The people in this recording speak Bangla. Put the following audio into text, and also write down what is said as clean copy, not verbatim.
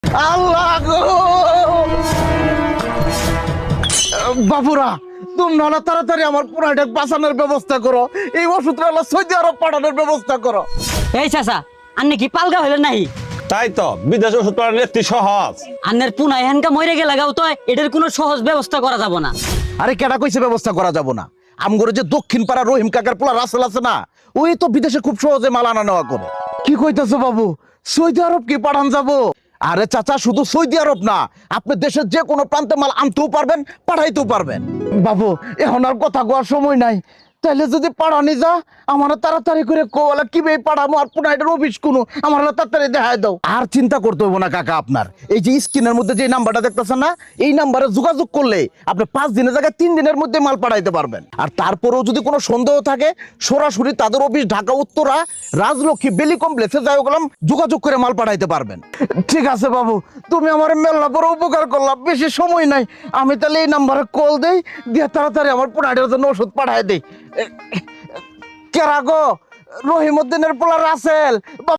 আল্লাহ গো বাবুরা, তোমরা হলো তাড়াতাড়ি আমার পুরাটা বাঁচানোর ব্যবস্থা করো। এই ওষুধটা হলো সৌদি আরব পাঠানোর ব্যবস্থা করো। এই চাচা, আন্নে কি পালগা হইলেন নাই? তাই তো বিদেশে ওষুধ পাঠানো একটি সহজ। আন্নের পুনা এহানকা মরে গেলে গাও তো এটার কোনো সহজ ব্যবস্থা করা যাব না। আরে কেডা কইছে ব্যবস্থা করা যাব না? আমগরে যে দক্ষিণ পাড়া রহিম কাকার পোলা রাসেল আছে না, ওই তো বিদেশে খুব সহজে মাল আনা নেওয়া করে। কি কইতাছো বাবু, সৌদি আরব কি পাঠান যাব? আরে চাচা, শুধু সৌদি আরব না, আপনি দেশের যে কোনো প্রান্তে মাল আনতেও পারবেন, পাঠাইতেও পারবেন। বাবু, এখন আর কথা কোয়ার সময় নাই। তাইলে যদি পাঠানি যা, আমার তাড়াতাড়ি করে কোলা কিভাবে পাঠাবো, আর পুনাইটার অফিস কোনো আমার তাড়াতাড়ি দেখায় দাও। আর চিন্তা করতে হইব না কাকা আপনার। এই যে স্ক্রিনের মধ্যে যে নাম্বারটা দেখতেছেন না, এই নাম্বারে যোগাযোগ করলে আপনি 5 দিনের জায়গায় 3 দিনের মধ্যে মাল পাঠাইতে পারবেন। আর তারপরেও যদি কোনো সন্দেহ থাকে, সরাসরি তাদের অফিস ঢাকা উত্তরা রাজলক্ষ্মী বেলি কমপ্লেক্সে যাই গেলাম, যোগাযোগ করে মাল পাঠাইতে পারবেন। ঠিক আছে বাবু, তুমি আমার মেলা বড় উপকার করলাম। বেশি সময় নাই, আমি তাহলে এই নাম্বারে কল দেই, দিয়ে তাড়াতাড়ি আমার পুনাইটার জন্য ওষুধ পাঠাই দেই। কেরা গো, রহিমউদ্দিনের পোলা রাসেল।